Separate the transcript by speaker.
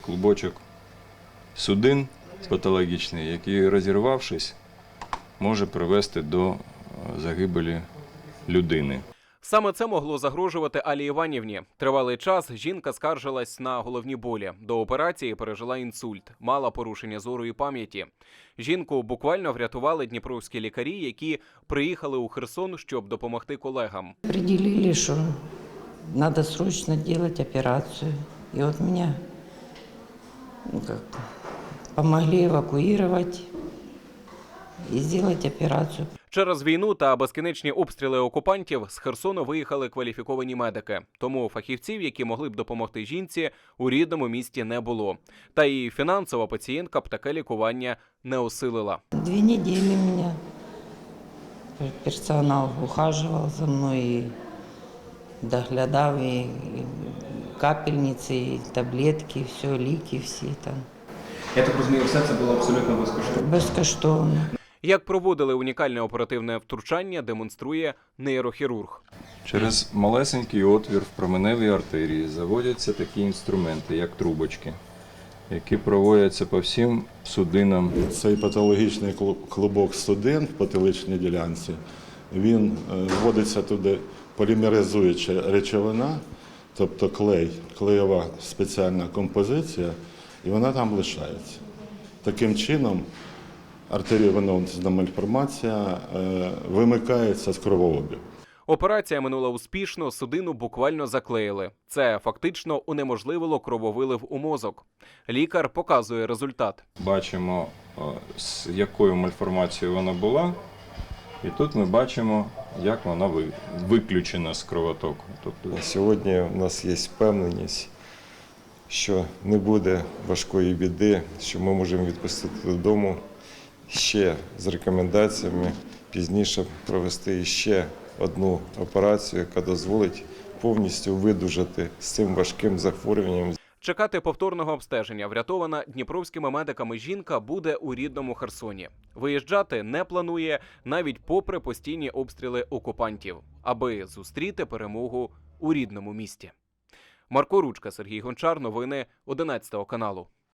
Speaker 1: клубочок судин патологічний, який, розірвавшись, може привести до загибелі людини.
Speaker 2: Саме це могло загрожувати Аллі Іванівні. Тривалий час жінка скаржилась на головні болі. До операції пережила інсульт, мала порушення зору і пам'яті. Жінку буквально врятували дніпровські лікарі, які приїхали у Херсон, щоб допомогти колегам.
Speaker 3: Определили, что надо срочно делать операцию. И вот меня помогли эвакуировать и сделать операцию.
Speaker 2: Через війну та безкінечні обстріли окупантів з Херсону виїхали кваліфіковані медики. Тому фахівців, які могли б допомогти жінці, у рідному місті не було. Та і фінансово пацієнтка б таке лікування не осилила.
Speaker 3: 2 недели меня персонал ухаживал за мной и доглядал, и капельницы, и таблетки, все, ліки всі там.
Speaker 2: Я так розумію, все це було абсолютно безкоштовно.
Speaker 3: Безкоштовно.
Speaker 2: Як проводили унікальне оперативне втручання, демонструє нейрохірург.
Speaker 1: Через малесенький отвір в променевій артерії заводяться такі інструменти, як трубочки, які проводяться по всім судинам.
Speaker 4: Цей патологічний клубок судин в потиличній ділянці, він вводиться туди полімеризуюча речовина, тобто клей, клеєва спеціальна композиція, і вона там лишається. Таким чином артеріовенозна мальформація вимикається з кровообігу.
Speaker 2: Операція минула успішно, судину буквально заклеїли. Це фактично унеможливило крововилив у мозок. Лікар показує результат.
Speaker 1: Бачимо, з якою мальформацією вона була, і тут ми бачимо, як вона виключена з кровотоку. Тобто
Speaker 5: Сьогодні у нас є впевненість, що не буде важкої біди, що ми можемо відпустити додому ще з рекомендаціями пізніше провести ще одну операцію, яка дозволить повністю видужати з цим важким захворюванням.
Speaker 2: Чекати повторного обстеження врятована дніпровськими медиками жінка буде у рідному Херсоні. Виїжджати не планує навіть попри постійні обстріли окупантів, аби зустріти перемогу у рідному місті. Марко Ручка, Сергій Гончар. Новини 11 каналу.